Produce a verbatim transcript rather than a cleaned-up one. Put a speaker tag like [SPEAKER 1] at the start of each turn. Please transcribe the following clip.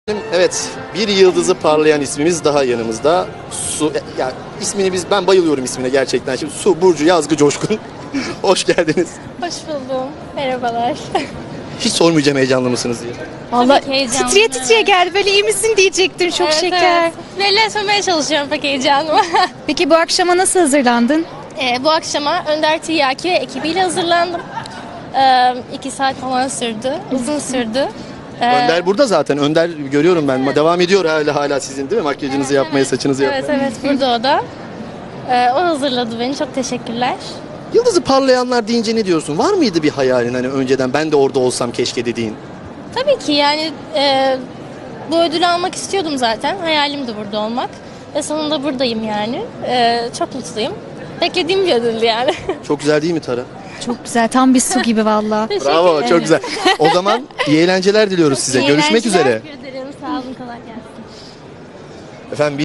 [SPEAKER 1] Evet, bir yıldızı parlayan ismimiz daha yanımızda. Su, ya ismini biz ben bayılıyorum ismine gerçekten. Şimdi Su Burcu Yazgı Coşkun. Hoş geldiniz.
[SPEAKER 2] Hoş buldum. Merhabalar.
[SPEAKER 1] Hiç sormayacağım heyecanlı mısınız diye.
[SPEAKER 2] Vallahi
[SPEAKER 3] Tabii ki heyecanlı.
[SPEAKER 2] titriye titriye geldi. Böyle iyi misin diyecektin. Çok
[SPEAKER 3] Evet,
[SPEAKER 2] şeker.
[SPEAKER 3] evet. Belli etmemeye çalışıyorum pek heyecanımı.
[SPEAKER 2] Peki bu akşama nasıl hazırlandın?
[SPEAKER 3] Ee, bu akşama Önder Tiryaki ve ekibiyle hazırlandım. Ee, iki saat falan sürdü. Uzun sürdü. Ee,
[SPEAKER 1] Önder burada zaten. Önder görüyorum ben. Devam ediyor hala hala sizin değil mi? Makyajınızı yapmaya, saçınızı
[SPEAKER 3] Evet
[SPEAKER 1] yapmaya.
[SPEAKER 3] evet burada o da. Ee, o hazırladı beni. Çok teşekkürler.
[SPEAKER 1] Yıldızı parlayanlar deyince ne diyorsun? Var mıydı bir hayalin hani önceden ben de orada olsam keşke dediğin?
[SPEAKER 3] Tabii ki yani e, bu ödülü almak istiyordum zaten. Hayalim de burada olmak. Ve sonunda buradayım yani. Ee, çok mutluyum. Beklediğim bir ödüldü yani.
[SPEAKER 1] Çok güzel değil mi Tara?
[SPEAKER 2] Çok güzel. Tam bir su gibi valla.
[SPEAKER 1] Bravo, çok güzel. O zaman iyi eğlenceler diliyoruz size.
[SPEAKER 3] İyi
[SPEAKER 1] Görüşmek
[SPEAKER 3] eğlenceler.
[SPEAKER 1] üzere.
[SPEAKER 3] Teşekkür ederim. Sağ olun. Kolay gelsin.
[SPEAKER 1] Efendim